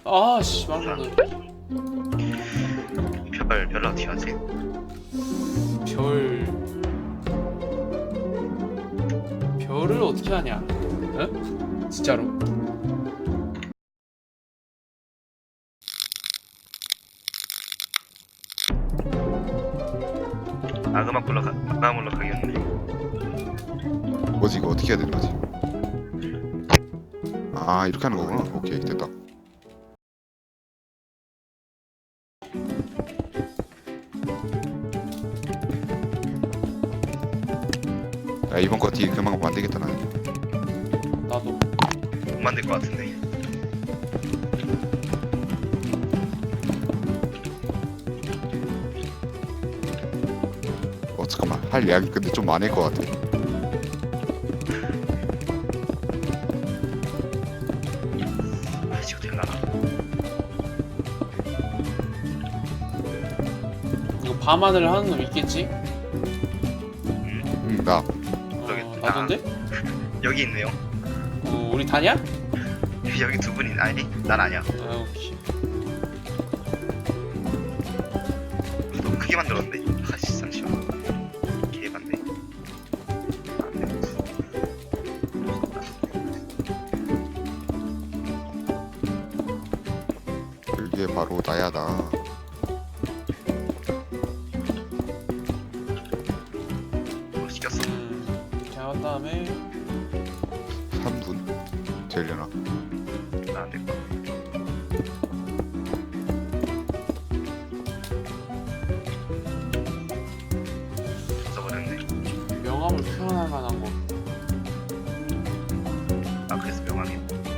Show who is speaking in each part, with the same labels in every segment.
Speaker 1: 아씨 말로
Speaker 2: 별로 어떻게 하지?
Speaker 1: 별을 어떻게 하냐? 응? 진짜로?
Speaker 2: 악음악 가겠네.
Speaker 3: 뭐지 이거 어떻게 해야 되는 거지? 아 이렇게 하는 거구나. 오케이 됐다. 야 이번 거 뒤에 그만 만들겠다 나는.
Speaker 1: 나도.
Speaker 2: 못 만들 것 같은데.
Speaker 3: 잠깐만 할 이야기 근데 좀 많을 것 같아.
Speaker 2: 지금 될라나?
Speaker 1: 이거 밤하늘 하는 놈 있겠지?
Speaker 3: 나
Speaker 1: 나던데?
Speaker 2: 여기 있네요.
Speaker 1: 우리 다냐?
Speaker 2: 여기 두 분이 아니? 난 아니야.
Speaker 1: 아 오케이.
Speaker 2: 너무 크게 만들었네. 아씨 잠시만. 개반대.
Speaker 3: 이게 바로 나야 나.
Speaker 2: 시켰어.
Speaker 1: 이렇게 한 다음에
Speaker 3: 3분 되려나?
Speaker 2: 나안 될 거. 써버렸네.
Speaker 1: 명암을 표현할 만한 거.
Speaker 2: 아 그래서 명함이.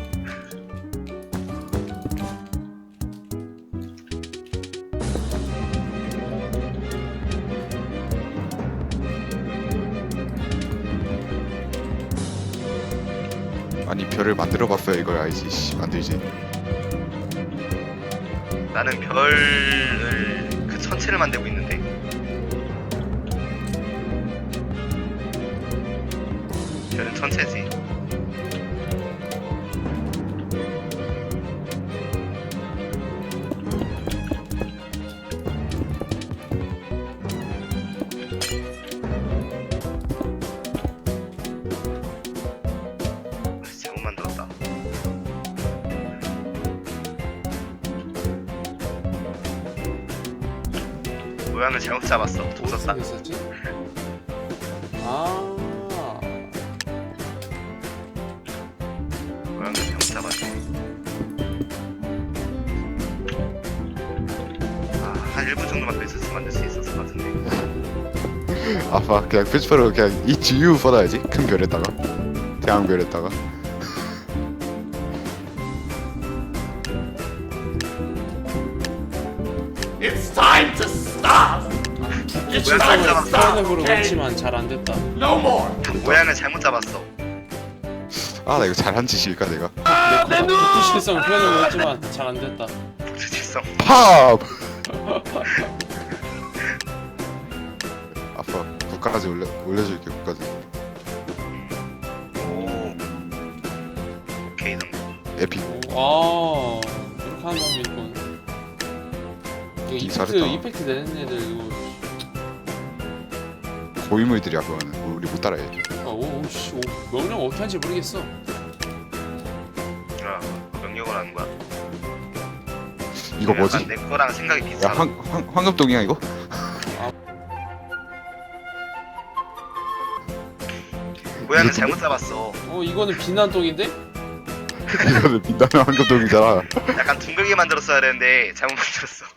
Speaker 3: 아니 별을 만들어봤어야 이걸 알지. 씨, 만들지.
Speaker 2: 나는 별을 그 천체를 만들고 있는데. 별은 천체지. 잘못 만들었다. 모양을 잘못 잡았어. 없었다.
Speaker 1: 어떻게 있었지? 아.
Speaker 2: 모양을 잘못 잡았어. 한 1분 정도만 더 있었으면 만들 수 있었을 것 같은데.
Speaker 3: 아빠 그냥 표지판으로 그냥 이 지유 받아야지. 큰 별에다가 대왕별에다가.
Speaker 4: It's time to stop!
Speaker 1: 불치성을 표현해보려고 했지만 잘 안 됐다.
Speaker 4: No more!
Speaker 2: 모양을 잘못 잡았어.
Speaker 3: 아 나 이거 잘한 짓일까 내가?
Speaker 1: 불치성을 표현해보려고 했지만 잘 안 됐다.
Speaker 2: 불치성.
Speaker 3: 팝! 아빠 국까지 올려줄게 국까지.
Speaker 2: 오. 오케이 정도.
Speaker 3: 에픽.
Speaker 1: 오, 이렇게 하는 방법이 있군. 이거
Speaker 3: 잘했다.
Speaker 1: 이펙트 내는 애들 이거.
Speaker 3: 고인물들이야 그거는. 우리 못 따라해.
Speaker 1: 오씨, 명령 어떻게 하는지 모르겠어.
Speaker 2: 아, 명령을 하는 거야.
Speaker 3: 이거 뭐지?
Speaker 2: 약간 내 거랑 생각이
Speaker 3: 야
Speaker 2: 비슷하다.
Speaker 3: 황금동이야 이거?
Speaker 2: 모양을 잘못 잡았어.
Speaker 1: 이거는 비난독인데?
Speaker 3: 이거는 빛나는 황금동이잖아.
Speaker 2: 약간 둥글게 만들었어야 되는데 잘못 만들었어.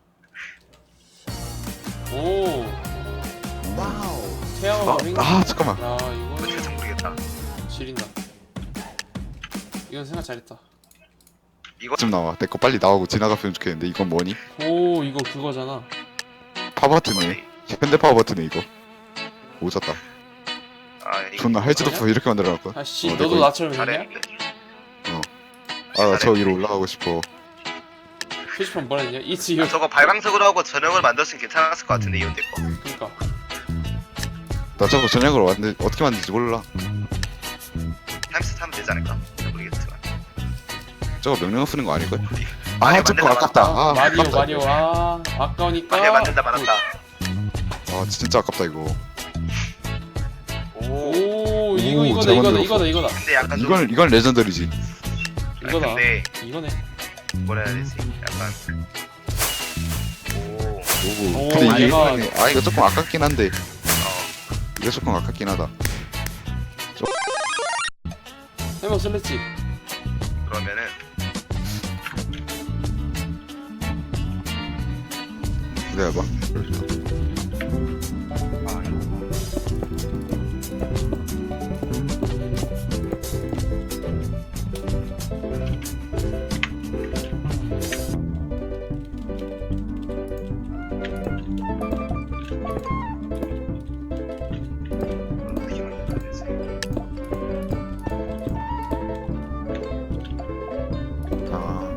Speaker 1: 오. 와우. 태양을 빙.
Speaker 3: 잠깐만.
Speaker 1: 야, 이거
Speaker 2: 어떻게 좀 모르겠다.
Speaker 1: 지린다. 이건 생각 잘했다.
Speaker 2: 이거
Speaker 3: 좀 나와. 내 거 빨리 나오고 지나갔으면 좋겠는데 이건 뭐니?
Speaker 1: 오, 이거 그거잖아.
Speaker 3: 파버튼네. 현대 파버튼네 이거. 오졌다.
Speaker 2: 이거
Speaker 3: 존나 할지도 없어 이렇게 만들어놨고.
Speaker 1: 아씨,
Speaker 3: 내
Speaker 1: 너도
Speaker 3: 거
Speaker 1: 나처럼 했냐?
Speaker 2: 잘했는데.
Speaker 3: 나 저 위로 올라가고 싶어.
Speaker 1: 표지판 뭐라 했냐? It's your.
Speaker 2: 저거 발광석으로 하고 전형을 만들었으면 괜찮았을 것 같은데 이건 내 거.
Speaker 1: 그니까.
Speaker 3: 나 저거 저녁으로 왔는데 어떻게 만들지 몰라.
Speaker 2: 타임스 타면 되지 않을까? 잘 모르겠지만.
Speaker 3: 저거 명령 쓰는 거 아닐걸?
Speaker 2: 마리오
Speaker 3: 아 저거
Speaker 2: 만든다,
Speaker 3: 아깝다. 아
Speaker 1: 마리오
Speaker 3: 아깝다.
Speaker 1: 마리오 아까우니까.
Speaker 2: 마리오 만든다 말았다.
Speaker 3: 아 진짜 아깝다 이거.
Speaker 1: 오 이거
Speaker 3: 오,
Speaker 1: 이거다
Speaker 3: 잘
Speaker 1: 이거다
Speaker 3: 만들었어.
Speaker 1: 이거다 이거다
Speaker 2: 근데 약간 좀
Speaker 3: 이건 레전더리지.
Speaker 1: 이거다.
Speaker 2: 근데
Speaker 1: 이거네.
Speaker 2: 뭐라 해야 되지? 약간
Speaker 3: 오.
Speaker 1: 오,
Speaker 3: 근데 이게
Speaker 1: 얘가-
Speaker 3: 이거 조금 아깝긴 한데.
Speaker 2: 어
Speaker 3: 이거 조금 아깝긴 하다.
Speaker 1: 해먹 슬래치.
Speaker 2: 그러면은
Speaker 3: 기다려봐.
Speaker 2: 아 이거 어떻게 만들어야 되지?
Speaker 3: 아.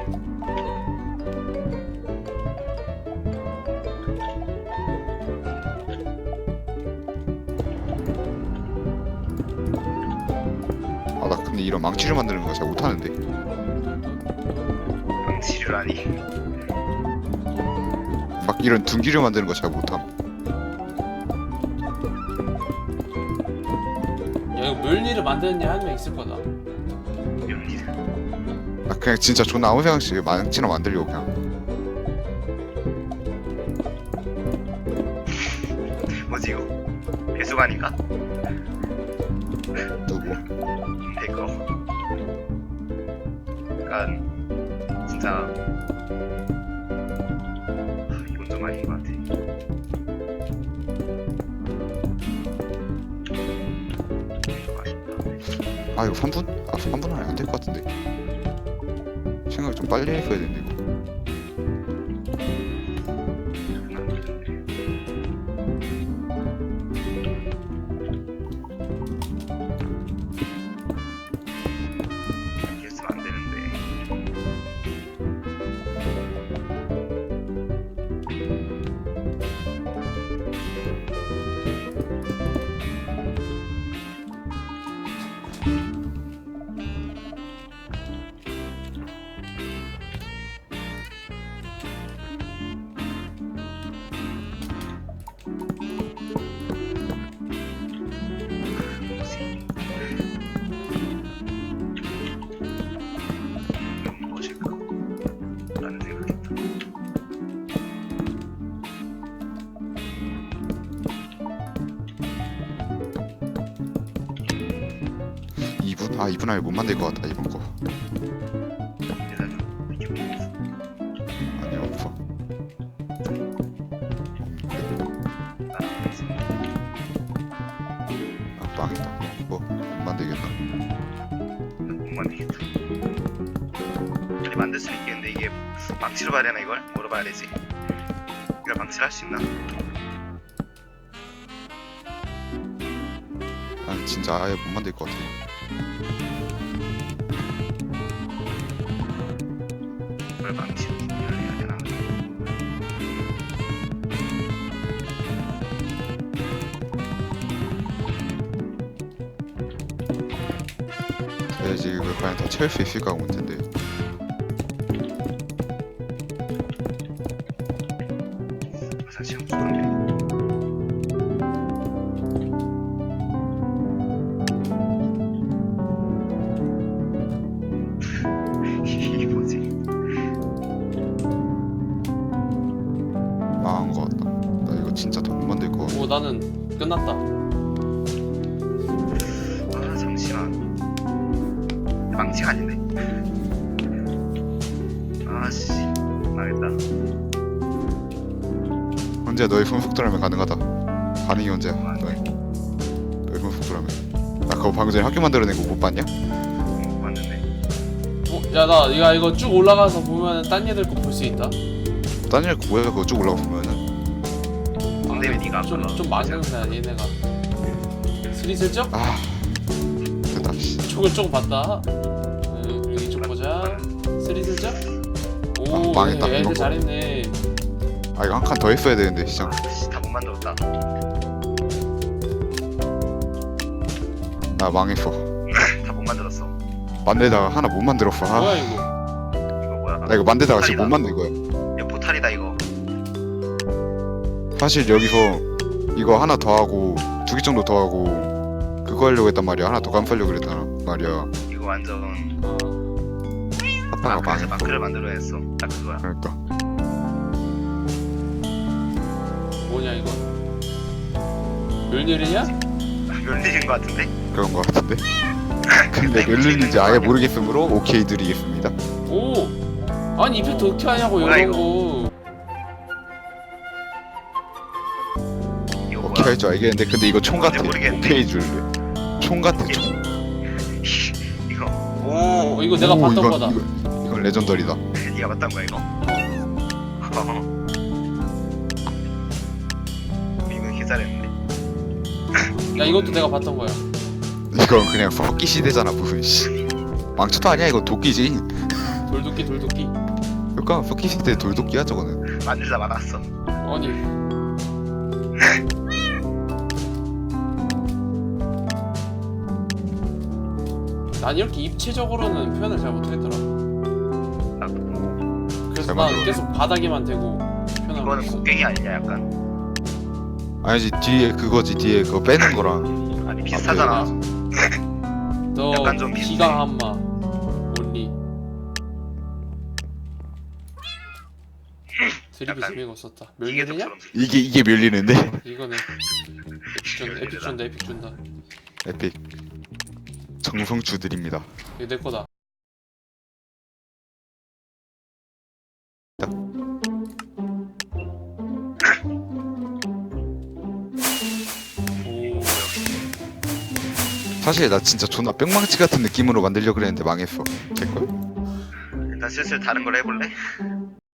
Speaker 3: 아, 나 근데 이런 망치를 만드는 거 잘 못하는데.
Speaker 2: 방치류라니.
Speaker 3: 막 이런 둔기를 만드는 거 잘 못함.
Speaker 1: 야 이거 멸니를 만드는 애 한 명 있을 거다.
Speaker 2: 연기.
Speaker 3: 나 그냥 진짜 존나 아무 생각 없이 망치나 만들려고 그냥.
Speaker 2: 뭐지 이거? 배수관인가?
Speaker 3: 누구?
Speaker 2: 이거. 약간 진짜 이건 좀 아닌 것 같아. 좀 아쉽다.
Speaker 3: 아 이거 3분? 아 3분 안에 안 될 것 같은데. 생각 좀 빨리 했어야 되는데 이거.
Speaker 2: 이렇게 했으면 안 되는데. 무엇일까? 라는 생각했다.
Speaker 3: 이 2분? 아 2분 안에 못 만들 것 같다 이번 거.
Speaker 2: 대단히 비켜보고 있어.
Speaker 3: 아니 없어. 없는데. 아 망했다. 못 만들겠다.
Speaker 2: 못 만들겠다. 아니 만들 수는 있겠는데 이게 망치로 봐야 되나 이걸? 뭐로 봐야 되지? 이걸 망치로 할 수 있나?
Speaker 3: 난 진짜 아예 못 만들 것 같아.
Speaker 2: 이걸 망치로 해야 되나?
Speaker 3: 돼야지 이걸 과연 다 채울 수 있을까 문제인데.
Speaker 2: 사실 없었는데. 이게 뭐지?
Speaker 3: 망한 것 같다. 나 이거 진짜 더 못 만들 것 같아.
Speaker 1: 오 나는 끝났다.
Speaker 2: 아 잠시만. 망치가 아닌데? 아씨 망했다.
Speaker 3: 언제 너의 손속도라면 가능하다. 반응이 언제야? 너의 손속도라면. 나 그거 방금 전에 학교 만들어낸 거 못 봤냐?
Speaker 2: 맞는데.
Speaker 1: 야나 이거 쭉 올라가서 보면은 딴 애들 거 볼 수 있다.
Speaker 3: 딴일 뭐야 그거 쭉 올라가 보면은.
Speaker 2: 근데 왜 네가 아까
Speaker 1: 좀 많은데 얘네가. 스리슬쩍?
Speaker 3: 아 됐다. 씨.
Speaker 1: 쪽을 조금 봤다. 이쪽 보자. 스리슬쩍? 오
Speaker 3: 망했다,
Speaker 1: 애들
Speaker 3: 이거.
Speaker 1: 잘했네.
Speaker 3: 아 이거 한 칸 더 했어야 되는데 시장.
Speaker 2: 다 못 만들었다.
Speaker 3: 나 망했어.
Speaker 2: 다 못 만들었어.
Speaker 3: 만들다가 하나 못 만들었어.
Speaker 1: 뭐야
Speaker 3: 아,
Speaker 1: 이거?
Speaker 2: 이거 뭐야?
Speaker 3: 나 이거 만들다가 지금 못
Speaker 2: 포탈이다.
Speaker 3: 만든 거야.
Speaker 2: 이거 포탈이다 이거.
Speaker 3: 사실 여기서 이거 하나 더 하고 2개 정도 더 하고 그거 하려고 했단 말이야. 하나 더 감싸려고 그랬단 말이야.
Speaker 2: 이거 완전
Speaker 3: 하다가
Speaker 2: 마크에서
Speaker 3: 망했어.
Speaker 2: 마크를 만들어야 했어. 딱 그거야.
Speaker 3: 그러니까
Speaker 1: 뭐냐 이거? 멸일이냐?
Speaker 2: 멸리인 것 같은데?
Speaker 3: 그런 거 같은데. 근데 몇 년인지 아예 모르겠으므로 오케이 드리겠습니다.
Speaker 1: 오! 아니 이펙트 어떻게 하냐고
Speaker 2: 뭐야,
Speaker 1: 이런
Speaker 2: 이거?
Speaker 1: 거.
Speaker 2: 이거
Speaker 3: 오케이
Speaker 2: 뭐야?
Speaker 3: 할 줄 알겠는데 근데 이거 총 같아.
Speaker 2: 모르겠는데.
Speaker 3: 오케이 줄래. 총 같아 총.
Speaker 2: 이거
Speaker 1: 어,
Speaker 2: 오
Speaker 1: 이거 내가
Speaker 3: 오,
Speaker 1: 봤던
Speaker 3: 이건-
Speaker 1: 거다.
Speaker 3: 이건 레전더리다.
Speaker 2: 네가 봤던 거야 이거? 이거 개 잘했는데.
Speaker 1: 야 이것도 내가 봤던 거야.
Speaker 3: 이건 그냥 썩기 시대잖아 무슨 씨. 망쳐도 아니야 이건 도끼지.
Speaker 1: 돌도끼 돌도끼.
Speaker 3: 그러니까 썩기 시대 돌도끼야 저거는.
Speaker 2: 만들다 말았어.
Speaker 1: 아니 난 이렇게 입체적으로는 표현을 잘 못하겠더라. 그래서
Speaker 3: 잘
Speaker 1: 난
Speaker 3: 만들어.
Speaker 1: 계속 바닥에만 대고 표현하고
Speaker 2: 이거는
Speaker 1: 있어.
Speaker 2: 곡괭이 아니냐 약간.
Speaker 3: 아니지 뒤에 그거지 뒤에 그거 빼는 거랑.
Speaker 2: 아니 비슷하잖아.
Speaker 1: 너
Speaker 2: 약간 좀 비슷해.
Speaker 1: 기가 한마 온리 드립이
Speaker 2: 약간
Speaker 1: 재미가 없었다. 멸리냐?
Speaker 2: 기계적처럼.
Speaker 3: 이게 밀리는데.
Speaker 1: 이거네. 에픽 준다 에픽 준다.
Speaker 3: 에픽. 정성주들입니다.
Speaker 1: 이거 내 거다. 오,
Speaker 3: 사실 나 진짜 존나 뿅망치 같은 느낌으로 만들려고 그랬는데 망했어. 될걸?
Speaker 2: 일단 슬슬 다른 걸 해볼래?